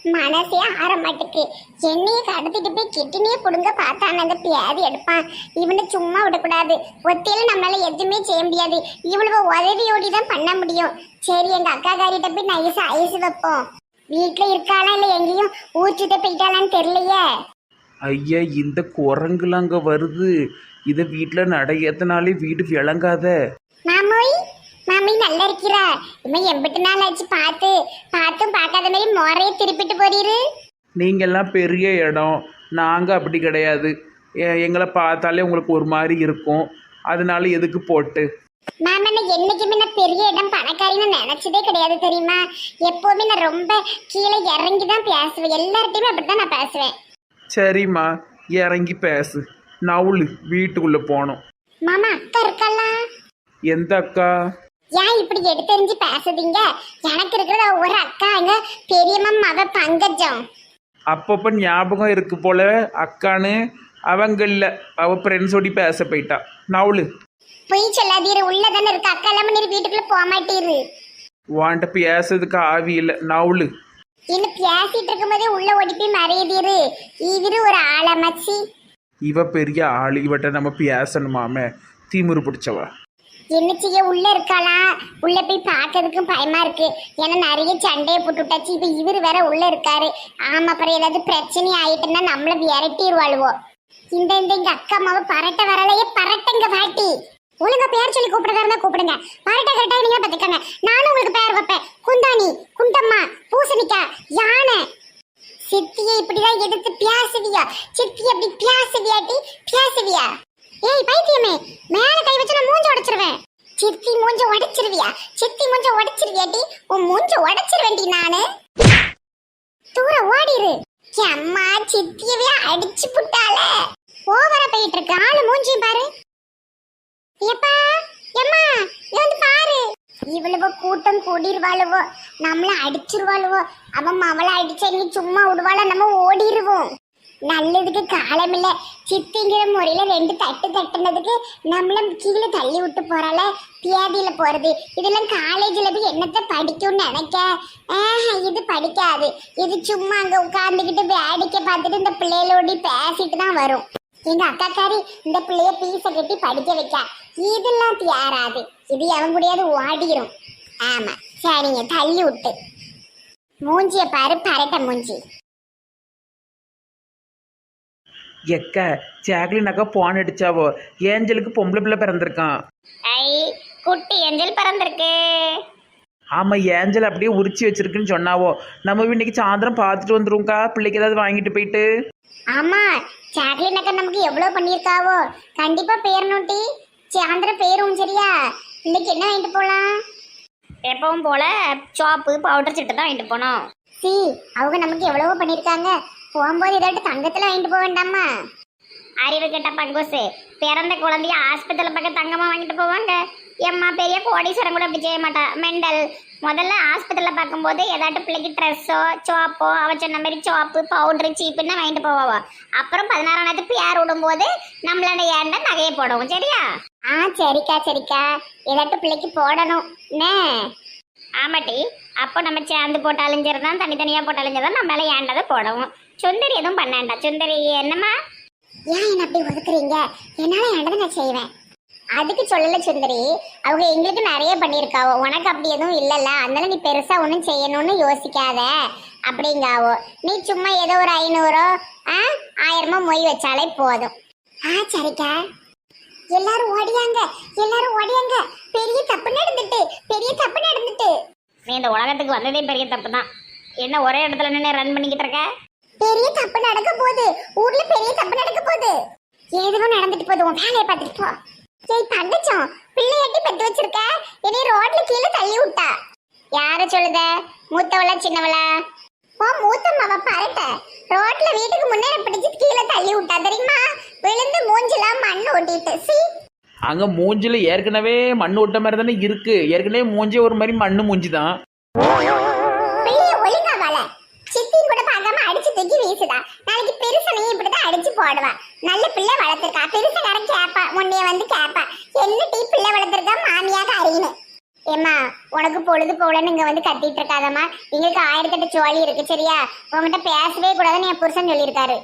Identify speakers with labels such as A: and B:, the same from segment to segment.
A: மனசே ஆற மாட்டுக்கு. என்னைய கடத்திட்டு போய் கிட்டினியே புடுங்க பார்த்தான் அந்த பியாதி எடுப்பான். இவனை சும்மா விடக்கூடாது. ஒத்தையில நம்மளால எதுவுமே செய்ய முடியாது. இவ்வளவு உதவியோடி தான் பண்ண முடியும். சரி, எங்க அக்கா காரிட்ட போய் நைஸா ஐஸ் வைப்போம். வீட்டுல இருக்காளா இல்ல எங்கேயும் ஊச்சுட்ட போயிட்டாளான்னு தெரியலையே.
B: ஐயா, இந்த குரங்குலாம் அங்கே வருது. இதை வீட்டில் நடையத்தினாலே வீடு விளங்காத.
A: மாமோய், மாமி நல்லா இருக்கிறா? இவன் எம்பிட்டு நாள் ஆச்சு பார்த்தும் பார்க்காத மாதிரி மொறைய திருப்பிட்டு போறீரு.
B: நீங்கள்லாம் பெரிய இடம், நாங்கள் அப்படி கிடையாது. எங்களை பார்த்தாலே உங்களுக்கு ஒரு மாதிரி இருக்கும். அதனால எதுக்கு போட்டு
A: மேம், என்ன என்னைக்குமே நான் பெரிய இடம் பணக்காரின்னு நினைச்சதே கிடையாது தெரியுமா? எப்பவுமே நான் ரொம்ப கீழே இறங்கி தான் பேசுவேன். எல்லார்ட்டையுமே அப்படித்தான் நான் பேசுவேன்.
B: சரிம்மா, இறங்கி பேசு. நவுளு, வீட்டுக்குள்ளே போனோம்.
A: மாமா, அக்கா இருக்கல்லா?
B: எந்த அக்கா?
A: ஏன் இப்படி எடுத்தெறிஞ்சு பேசுதீங்க? எனக்கு இருக்கிற ஒரு அக்கா, எங்க பெரியம்மா மக பங்கஜம்.
B: அப்பப்போ ஞாபகம் இருக்கு போல அக்கான்னு. அவங்க இல்லை, அவள் ஃப்ரெண்ட்ஸோடி பேச போயிட்டா. நவுளு.
A: பொய் சொல்லாதீரு, உள்ளதானே இருக்கு. அக்கா இல்லாம நீர் வீட்டுக்குள்ள போக மாட்டீரு.
B: வாண்ட பேசுறதுக்கு ஆவி இல்லை. நவுளு.
A: இன்னும் பேசிட்டு இருக்கும் போதே உள்ள ஓடி போய் மறையுதீரு. இவரு ஒரு ஆளமச்சி.
B: இவ பெரிய ஆள், இவட்ட நம்ம பேசணுமாமே. திமிரு பிடிச்சவா.
A: என்ன செய்ய, உள்ள இருக்காளா? உள்ள போய் பார்க்கறதுக்கும் பயமா இருக்கு. ஏன்னா நிறைய சண்டையை போட்டு விட்டாச்சு. இப்ப இவரு வேற உள்ள இருக்காரு. ஆமா, அப்புறம் ஏதாவது பிரச்சனை ஆயிட்டுன்னா நம்மள விரட்டிடுவாளுவோம். இந்த எங்க அக்கா அம்மாவை பரட்ட வரலையே. பரட்டங்க பாட்டி. ஒழுங்கா பேர் சொல்லி கூப்பிடுறதா இருந்தா கூப்பிடுங்க. பரட்ட கரெக்டா நீங்க பாத்துக்கங்க. நானும் உங்களுக்கு பேர் வைப்பேன். குந்தாணி, குண்டம்மா, பூசணிக்கா, யானை. சித்தியை இப்படிதான் எடுத்து பியாசுவியா? சித்தி அப்படி பியாசுவியாட்டி பியாசுவியா? ஏய் பைத்தியமே, மேல கை வச்சு நான் மூஞ்ச உடைச்சிருவேன். சித்தி மூஞ்ச உடைச்சிருவியா? சித்தி மூஞ்ச உடைச்சிருவியாட்டி? உன் மூஞ்ச உடைச்சிருவேண்டி நானு. தூர ஓடிரு. அம்மா, சித்தியவே அடிச்சு புட்டால. ஓவரா போயிட்டு இருக்கு. ஆளு மூஞ்சியும் பாரு. எப்பா, எம்மா, வந்து பாரு. இவ்வளவு கூட்டம் கூடிருவாளுவோ, நம்மள அடிச்சிருவாளுவோ. அவன் அவளை அடிச்சா நீ சும்மா விடுவாள, நம்ம ஓடிடுவோம். நல்லதுக்கு காலம் இல்ல. சித்திங்கிற முறையில 2 தட்டு தட்டுனதுக்கு நம்மள கீழே தள்ளி விட்டு போறால. பியாதியில போறது இதெல்லாம் காலேஜ்ல போய் என்னத்த படிக்கும்னு நினைக்க. இது படிக்காது. இது சும்மா அங்க உட்கார்ந்துக்கிட்டு வேடிக்கை பார்த்துட்டு இந்த பிள்ளைகளோடி பேசிட்டு தான் வரும். எங்க அக்காக்காரி இந்த பிள்ளைய பீச கட்டி படிக்க வைக்க. இதெல்லாம் தேராது. இது எவன் கூடயாவது ஓடிரும். ஆமா, சரிங்க, தள்ளி விட்டு. மூஞ்சிய பாரு, பரட்ட மூஞ்சி.
B: எக்க ஜாக்லின் அக்கா போன் அடிச்சாவோ. ஏஞ்சலுக்கு பொம்பளை பிள்ளை பிறந்திருக்கான்.
A: ஐ, குட்டி ஏஞ்சல் பிறந்திருக்கு.
B: ஆமாம், ஏஞ்சல் அப்படியே உரிச்சி வச்சிருக்குன்னு சொன்னாவோ. நம்ம இன்னைக்கு சாயந்தரம் பார்த்துட்டு வந்துருவோம்க்கா. பிள்ளைக்கு ஏதாவது வாங்கிட்டு போயிட்டு.
A: ஆமா, சாக்லின் அக்கா நமக்கு எவ்வளவு பண்ணியிருக்காவோ. கண்டிப்பா பேரணுட்டி. சாயந்தரம் பேரும். சரியா? இன்னைக்கு என்ன வாங்கிட்டு போலாம்?
C: எப்பவும் போல சோப்பு பவுடர் சிட்டு தான் வாங்கிட்டு போனோம்.
A: அவங்க நமக்கு எவ்வளவோ பண்ணியிருக்காங்க. போகும்போது ஏதாட்டு தங்கத்துல வாங்கிட்டு போக வேண்டாமா?
C: அறிவு கெட்ட பங்கோசு, பிறந்த குழந்தைய ஆஸ்பத்திரியில் பக்கம் தங்கமாக வாங்கிட்டு போவாங்க. எம்மா பெரிய கோடீஸ்வரம் கூட அப்படி செய்ய மாட்டா. மெண்டல். முதல்ல ஆஸ்பத்திரியில் பார்க்கும்போது ஏதாட்டு பிள்ளைக்கு ட்ரெஸ்ஸோ சோப்போ அவ சொன்ன மாதிரி சோப்பு பவுட்ரு சீப்புன்னு வாங்கிட்டு போவாவோ. அப்புறம் 16ஆம் நேரத்து பேர் விடும்போது நம்மளோட ஏண்ட நகையை போடுவோம். சரியா?
A: சரிக்கா சரிக்கா. ஏதாட்டு பிள்ளைக்கு போடணும் என்ன?
C: ஆமாட்டி. அப்போ நம்ம சேர்ந்து போட்டாலும் சரி தான், தனித்தனியாக போட்டாலும் சரி தான், நம்ம மேலே ஏண்டதை போடவும். சுந்தரி எதுவும் பண்ணாண்டா. சுந்தரி என்னம்மா?
A: ஏன் என்ன அப்படி ஒதுக்குறீங்க? என்னால ஏண்டதை நான் செய்வேன். அதுக்கு சொல்லல சுந்தரி. அவங்க எங்களுக்கு நிறைய பண்ணியிருக்காவோ. உனக்கு அப்படி எதுவும் இல்லைல்ல, அதனால நீ பெருசா ஒன்றும் செய்யணும்னு யோசிக்காத அப்படிங்காவோ. நீ சும்மா ஏதோ ஒரு 500 1000 மொய் வச்சாலே போதும். சரிக்கா. எல்லாரும் ஓடியாங்க, எல்லாரும் ஓடியாங்க. பெரிய தப்பு நடந்துட்டு, பெரிய தப்பு நடந்துட்டு.
C: நீ இந்த உலகத்துக்கு வந்ததே பெரிய தப்பு தான். என்ன ஒரே இடத்துல நின்று ரன் பண்ணிக்கிட்டு இருக்க?
A: பெரிய தப்பு நடக்க போகுது. ஊர்ல பெரிய தப்பு நடக்க போகுது. எதுவும் நடந்துட்டு போகுது. உன் வேலையை பார்த்துட்டு போ. ஏய் தங்கச்சம், பிள்ளையாட்டி பெத்து வச்சிருக்க. என்னை ரோட்ல கீழே தள்ளி விட்டா. யார சொல்லுத? மூத்தவளா சின்னவளா? மூத்தம்மாவ பரட்ட ரோட்ல வீட்டுக்கு முன்னேற பிடிச்சி கீழே தள்ளி விட்டா தெரியுமா? விழுந்து மூஞ்சிலாம் மண் ஓட்டிட்டு.
B: அங்கே மூஞ்சில் ஏற்கனவே மண் ஓட்ட மாதிரி தானே இருக்கு. ஏற்கனவே மூஞ்சி ஒரு மாதிரி மண்ணு மூஞ்சி தான்.
A: பிள்ளைய ஒழுங்கா வாழ. சித்தியும் கூட பார்க்காம அடிச்சு தூக்கி வீசுதா. நாளைக்கு பெருசனையும் இப்படிதான் அடிச்சு போடுவா. நல்ல பிள்ளை வளர்த்துருக்கா. பெருசக்காரன் கேப்பா, முன்னைய வந்து கேப்பா, என்ன டீ பிள்ளை வளர்த்துருக்கா மாமியாக அறியணும். ஏம்மா உனக்கு பொழுது போலன்னு இங்க வந்து கத்திட்டு இருக்காதம்மா. எங்களுக்கு 1008 ஜோலி இருக்கு சரியா. உங்ககிட்ட பேசவே கூடாதுன்னு என் புருஷன் சொல்லியிருக்காரு.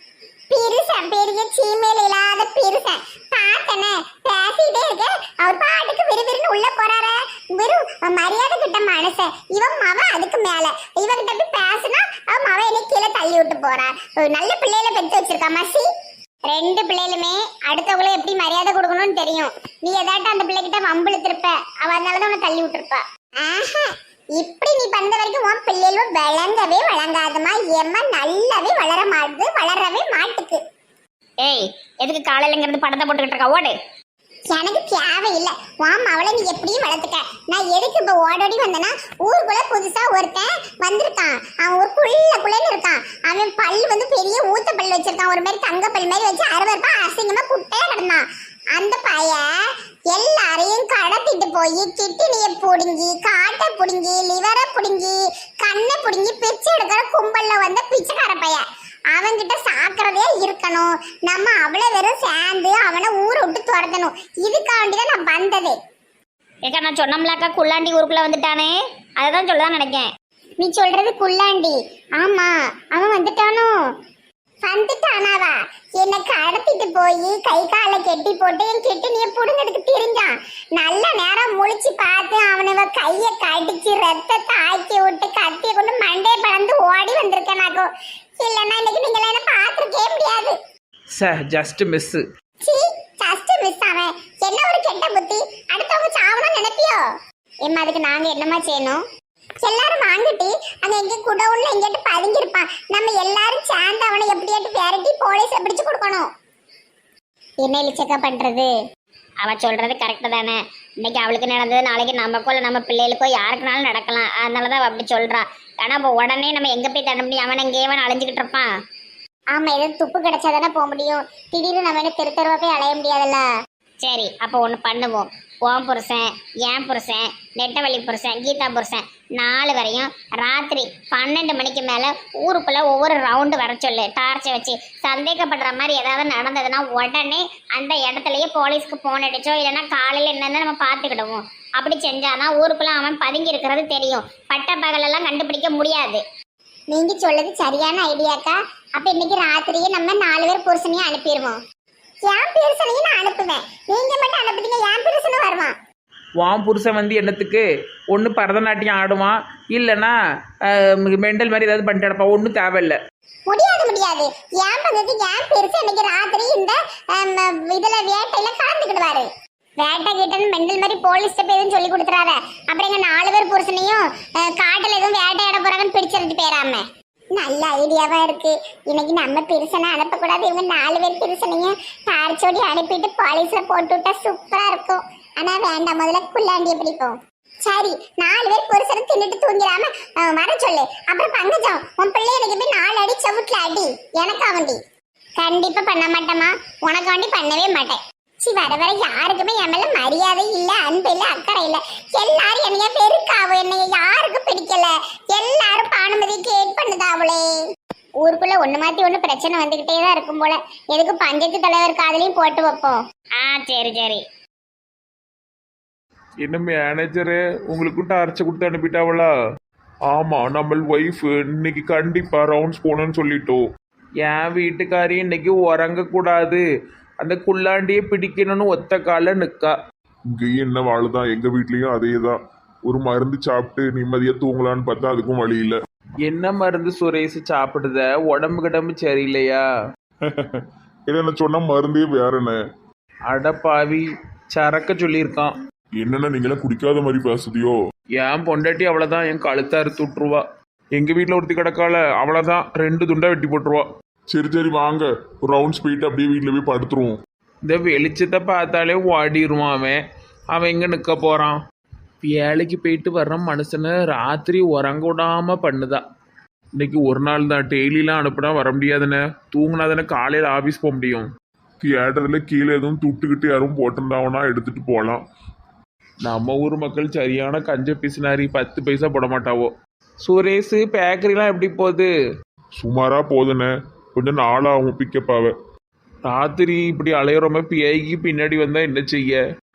A: பெருசன் பெரிய சீமையில இல்லாத பெருசன் பார்த்தனே பேசிட்டே இருக்க. அவர் பாட்டுக்கு விறுவிறுன்னு உள்ள போறாரு. வெறும் மரியாதை கிட்ட மனுஷன் இவன் மவ. அதுக்கு மேல இவகிட்ட போய் பேசினா அவன் மவ என்னை கீழே தள்ளி விட்டு போறான். ஒரு நல்ல பிள்ளையில பெற்று வச்சிருக்கா மசி. 2 பிள்ளைகளுமே அடுத்தவங்களை எப்படி மரியாதை கொடுக்கணும்னு தெரியும். நீ ஏதாட்டும் அந்த பிள்ளைகிட்ட வம்பிழுத்திருப்ப, அவ அதனாலதான் உன்னை தள்ளி விட்டுருப்பா. ஆஹா, இப்படி நீ பண்ண வரைக்கும் உன் பிள்ளைகளும் விளங்கவே வழங்காதமா. ஏம்மா நல்லாவே வளரவே மாட்டுக்கு.
C: ஏய் எதுக்கு காலையிலங்கிறது படத்தை போட்டுக்கிட்டு இருக்கா? ஓடு.
A: எனக்கு தேவையில்லை. வாம் அவளை நீ எப்படியும் வளர்த்துக்க. நான் எதுக்கு இப்ப ஓடோடி வந்தேன்னா, ஊருக்குள்ள புதுசா ஒருத்தன் வந்திருக்கான். அவன் ஒரு குள்ளன்னு இருக்கான். அவன் பல் வந்து பெரிய ஊத்த பல் வச்சிருக்கான். ஒரு மாதிரி தங்க பல் மாதிரி வச்சு அறுவருப்பா அசிங்கமா குட்டையா கிடந்தான். அந்த பையன் எல்லாரையும் கடத்திட்டு போய் கிட்னியை புடுங்கி, காட்டை புடுங்கி, லிவரை புடுங்கி, கண்ணை புடுங்கி பிச்சை எடுக்கிற கும்பல்ல வந்த பிச்சைக்கார பையன். அவன்கிட்ட சாக்கிறதே இருக்கணும். நம்ம அவ்வளவு வெறும் சேர்ந்து அவனை ஊரை விட்டு துரத்தணும். இதுக்காண்டிதான் நான் வந்தது.
C: ஏக்கா நான் சொன்னோம்லாக்கா குள்ளாண்டி ஊருக்குள்ள வந்துட்டானே, அதை தான் சொல்லதான் நினைக்கேன்.
A: நீ சொல்றது குள்ளாண்டி? ஆமா, அவன் வந்துட்டானோ? வந்துட்டானாவா? என்னை கடத்திட்டு போய் கை காலை கெட்டி போட்டு என் கிட்னியை புடுங்கிறதுக்கு தெரிஞ்சான். நல்ல நேரம் முழிச்சு பார்த்து அவனவ கையை கடிச்சு ரத்தத்தை ஆக்கி விட்டு கத்தியை கொண்டு மண்டையை பறந்து ஓடி வந்திருக்கேன். நாக்கும் இல்லைன்னா இன்னைக்கு நீங்கள என்ன பார்த்துருக்கே முடியாது.
B: Sir just miss.
A: சீ, ஜஸ்ட் மிஸ். அவன் என்ன ஒரு கெட்ட புத்தி. அடுத்தவங்க சாவணும்னு நினைப்பியோ? ஏம்மா அதுக்கு நாங்க என்னமா செய்யணும்? எல்லாரும் வாங்கிட்டு அங்க எங்க குடவுன்ல எங்கிட்ட பதுங்கிருப்பான். நம்ம எல்லாரும் சேர்ந்து அவனை எப்படியாட்டு விரட்டி போலீஸ்ல பிடிச்சு கொடுக்கணும். என்ன இழிச்சக்கா பண்றது?
C: அவ சொல்றது கரெக்டு தானே. இன்னைக்கு அவளுக்கு நடந்தது நாளைக்கு நமக்கோ இல்லை நம்ம பிள்ளைகளுக்கோ யாருக்குனாலும் நடக்கலாம். அதனாலதான் அவ அப்படி சொல்றா. ஆனா இப்போ உடனே நம்ம எங்க போய் தண்ண முடியும்? அவன் எங்கேயவன் அலைஞ்சுக்கிட்டு இருப்பான்.
A: ஆமா, ஏதாவது துப்பு கிடைச்சாதானே போக முடியும். திடீர்னு நம்ம என்ன தெரு தெருவா போய் அலைய முடியாதுல்ல.
C: சரி அப்போ ஒன்று பண்ணுவோம். ஓம் புருஷன், என் புருஷன், நெட்டவழி புருஷன், கீதா புருஷன் 4 வரையும் ராத்திரி 12 மணிக்கு மேலே ஊருக்குள்ளே ஒவ்வொரு ரவுண்டு வர சொல்லு. டார்ச்சை வச்சு சந்தேகப்படுற மாதிரி ஏதாவது நடந்ததுன்னா உடனே அந்த இடத்துலையே போலீஸ்க்கு ஃபோன் அடிச்சோ இல்லைன்னா காலையில் என்னென்னு நம்ம பார்த்துக்கிடுவோம். அப்படி செஞ்சாதான் ஊருக்குள்ளே அவன் பதுங்கி இருக்கிறது தெரியும். பட்ட பகலெல்லாம் கண்டுபிடிக்க முடியாது.
A: நீங்க சொல்றது சரியான ஐடியாக்கா. அப்ப இன்னைக்கு ராத்திரியே நம்ம 4 பேர் புருஷனையும் அனுப்பிடுவோம். என் புருஷனையும் நான் அனுப்புவேன். நீங்க மட்டும் அனுப்புறீங்க, என் புருஷனும் வருவான்.
B: வான் புருஷன் வந்து என்னத்துக்கு? ஒன்று பரதநாட்டியம் ஆடுவான், இல்லைன்னா மெண்டல் மாதிரி ஏதாவது பண்ணிட்டு நடப்பான். ஒன்றும் தேவையில்லை.
A: முடியாது. என் பங்குக்கு என் புருஷன் இன்னைக்கு ராத்திரி இந்த இதுல வேட்டையில கலந்துக்கிடுவாரு. வேட்டை கிட்டன்னு மெண்டல் மாதிரி போலீஸ்ட போய் எதுவும் சொல்லி கொடுத்துறாத. அப்புறம் எங்க 4 பேர் புருஷனையும் காட்டுல எதுவும் வேட்டையாட போறாங்கன்னு பிடிச்சிட்டு போயிடாம. நல்ல ஐடியாவா இருக்கு. இன்னைக்கு நம்ம பெருசனை அனுப்பக்கூடாது. இவங்க 4 பேர் பெருசனையும் டார்ச்சோடி அனுப்பிட்டு போலீஸ்ல போட்டு விட்டா சூப்பரா இருக்கும். ஆனா வேண்டாம், முதல்ல குள்ளாண்டிய பிடிப்போம். சரி, 4 பேர் புருஷனை தின்னுட்டு தூங்கிடாம வர சொல்லு. அப்புறம் பங்கஜம் உன் பிள்ளை எனக்கு போய் 4 அடி செவுட்ல அடி. எனக்கா வண்டி கண்டிப்பா பண்ண மாட்டேமா. உனக்கு வண்டி பண்ணவே மாட்டேன். வர வர யாருக்குமே என் மேல மரியாதை இல்ல, அன்பு இல்ல, அக்கறை இல்ல. எல்லாரும் என்னைய வெறுக்காவோ. என்னைய யாருக்கும் பிடிக்கல. எல்லாரும் பானுமதி கேட் பண்ணுதாவளே. ஊருக்குள்ள ஒண்ணு மாத்தி ஒண்ணு பிரச்சனை வந்துகிட்டே தான் இருக்கும் போல. எதுக்கு பஞ்சாயத்து தலைவர் காதலையும் போட்டு வைப்போம்.
C: சரி சரி.
D: என்ன மேனேஜரு உங்களுக்கும் டார்ச்சை கொடுத்து அனுப்பிட்டாவளா? ஆமா, நம்ம ஒய்ஃப் இன்னைக்கு கண்டிப்பா ரவுண்ட்ஸ் போகணும்னு சொல்லிட்டோம்.
B: என் வீட்டுக்காரி இன்னைக்கு உறங்கக்கூடாது, அந்த குள்ளாண்டியை பிடிக்கணும்னு ஒத்த கால நிற்கா.
D: இங்கேயும் என்ன வாழுதான், எங்க வீட்லயும் அதே தான். ஒரு மருந்து சாப்பிட்டு நிம்மதியா தூங்கலான்னு பார்த்தா அதுக்கும் வழி இல்லை.
B: என்ன மருந்து சுரேஷ் சாப்பிடுத? உடம்பு கிடம்பு சரியில்லையா?
D: என்ன சொன்ன மருந்தே வேறன.
B: அடப்பாவி, சரக்க சொல்லியிருக்கான்.
D: என்னென்ன நீங்களாம் குடிக்காத மாதிரி பேசுதியோ?
B: என் பொண்டாட்டி அவ்வளோதான், என் கழுத்தை அறுத்து விட்டுருவா. எங்கள் வீட்டில் ஒருத்தி கிடக்கால, அவ்வளோதான் 2 துண்டா வெட்டி போட்டுருவா.
D: சரி சரி வாங்க, ஒரு ரவுண்ட்ஸ் போயிட்டு அப்படியே வீட்டில் போய் படுத்துருவோம்.
B: இந்த வெளிச்சத்தை பார்த்தாலே ஓடிடுவான் அவன். அவன் எங்கே நிற்க போகிறான்? வேலைக்கு போயிட்டு வர்ற மனுஷனை ராத்திரி உறங்க விடாமல் பண்ணுதா. இன்னைக்கு ஒரு நாள் தான், டெய்லிலாம் அனுப்புனா வர முடியாதுன்னு. தூங்கினா தானே காலையில் ஆஃபீஸ் போக முடியும்.
D: தியேட்டரில் கீழே எதுவும் துட்டுக்கிட்டு யாரும் போட்டிருந்தாங்கன்னா எடுத்துட்டு போகலாம்.
B: நம்ம ஊர் மக்கள் சரியான கஞ்ச பிசினாரி, 10 பைசா போட மாட்டாவோ. சுரேஷ், பேக்கரிலாம் எப்படி போகுது?
D: சுமாரா போதுண்ணே, கொஞ்சம் நாளாகும் பிக்கப்பாவை.
B: ராத்திரி இப்படி அலையிறோம பேய்க்கு பின்னாடி வந்தால் என்ன செய்ய?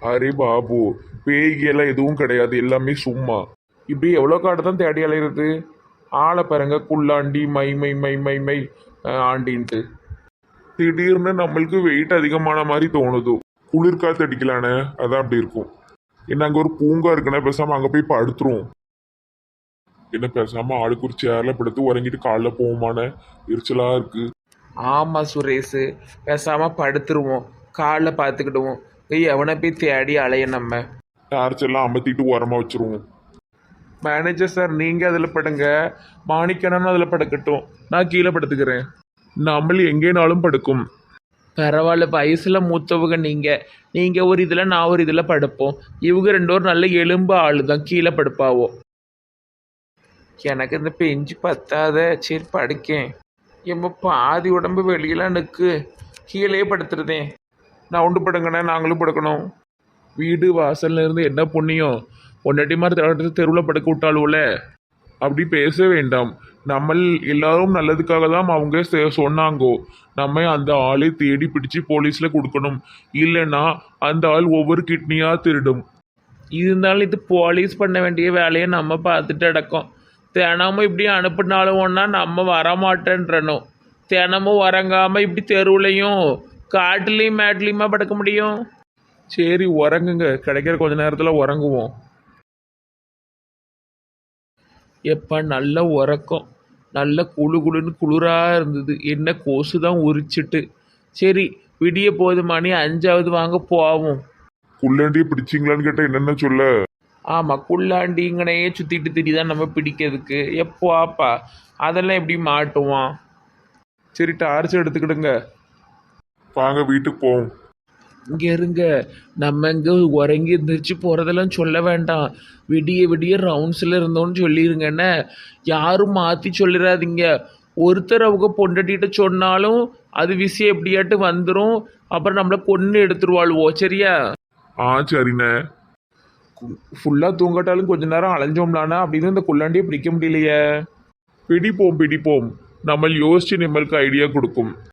D: அரே பாபு, பேய்கெல்லாம் எதுவும் கிடையாது, எல்லாமே சும்மா.
B: இப்படி எவ்வளோ காடு தான் தேடி அலையிறது? ஆளை பாருங்க, குள்ளாண்டி மை மை மை மை மை ஆண்டின்ட்டு.
D: திடீர்னு நம்மளுக்கு வெயிட் அதிகமான மாதிரி தோணுது. குளிர்காத்து அடிக்கலானே, அதான் அப்படி இருக்கும். என்ன அங்கே ஒரு பூங்கா இருக்குன்னா பேசாம அங்கே போய் படுத்துருவோம். என்ன பேசாம ஆளுக்கு ஒரு சேர்ல படுத்து உறங்கிட்டு காலைல போவோமான, எரிச்சலா இருக்கு.
B: ஆமாம் சுரேஷு, பேசாமல் படுத்துருவோம், காலில் பார்த்துக்கிடுவோம். எவனை போய் தேடி அலைய நம்ம.
D: டார்ச் எல்லாம் அமர்த்திட்டு உரமா வச்சிருவோம்.
B: மேனேஜர் சார், நீங்கள் அதில் படுங்க, மாணிக்கணும் அதில் படுக்கட்டும், நான் கீழே படுத்துக்கிறேன்.
D: நம்ம எங்கேனாலும் படுக்கும்.
B: பரவாயில்ல, வயசில் மூத்தவங்க நீங்கள் ஒரு இதில் நான் ஒரு இதில் படுப்போம். இவங்க ரெண்டு ஒரு நல்ல எலும்பு ஆளு தான், கீழே படுப்பாவோ. எனக்கு இந்த பெஞ்சு பத்தாத, சரி படுக்கேன். எம்ம பாதி உடம்பு வெளியெல்லாம் நிற்கு, கீழே படுத்துருதேன்.
D: நான் உண்டு படுங்கண்ணே, நாங்களும் படுக்கணும்.
B: வீடு வாசல்ல இருந்து என்ன புண்ணியம், பொண்டாட்டி மாதிரி தெருவில் படுக்க விட்டாலும்ல.
D: அப்படி பேச வேண்டாம். நம்ம எல்லாரும் நல்லதுக்காக தான் அவங்க சொன்னாங்கோ. நம்ம அந்த ஆளை தேடி பிடிச்சு போலீஸ்ல கொடுக்கணும். இல்லைன்னா அந்த ஆள் ஒவ்வொரு கிட்னியா திருடும்.
B: இருந்தாலும் இது போலீஸ் பண்ண வேண்டிய வேலையை நம்ம பார்த்துட்டு அடக்கோம். தினமும் இப்படி அனுப்புனாலும் ஒன்றா நம்ம வரமாட்டேன்றணும். தினமும் வரங்காமல் இப்படி தெருவுலையும் காட்டுலேயும் மேட்லேயுமா படுக்க முடியும்?
D: சரி உறங்குங்க, கிடைக்கிற கொஞ்ச நேரத்தில் உறங்குவோம்.
B: எப்போ நல்ல உறக்கம், நல்ல குழு குழுன்னு குளிராக இருந்தது. என்ன கொசு தான் உரிச்சிட்டு. சரி, விடிய போது மணி 5ஆவது, வாங்க போவோம்.
D: குள்ளண்டியை பிடிச்சிங்களான்னு கேட்டால் என்னென்ன சொல்ல?
B: ஆமாம், குள்ளாண்டிங்கனையே சுற்றிட்டு திரிதான் நம்ம பிடிக்கிறதுக்கு. எப்போ ஆப்பா அதெல்லாம் எப்படி மாட்டுவான்?
D: சரி, டார்ச் எடுத்துக்கிடுங்க, வாங்க வீட்டுக்கு போவோம்.
B: இங்கே இருங்க, நம்ம இங்கே உறங்கி எந்திரிச்சு போகிறதெல்லாம் சொல்ல வேண்டாம். விடிய விடிய ரவுண்ட்ஸில் இருந்தோன்னு சொல்லிடுங்கண்ணே. யாரும் மாற்றி சொல்லிடாதீங்க. ஒருத்தர் அவங்க பொண்டாட்டிகிட்ட சொன்னாலும் அது விஷயம் எப்படியாட்டு வந்துடும். அப்புறம் நம்மளை கொன்று எடுத்துருவாள்வோ, சரியா?
D: சரிண்ணே.
B: ஃபுல்லாக தூங்கட்டாலும் கொஞ்ச நேரம் அலைஞ்சோம்லானா அப்படின்னு இந்த குள்ளாண்டியை பிடிக்க முடியலையே.
D: பிடிப்போம். நம்ம யோசிச்சு நம்மளுக்கு ஐடியா கொடுக்கும்.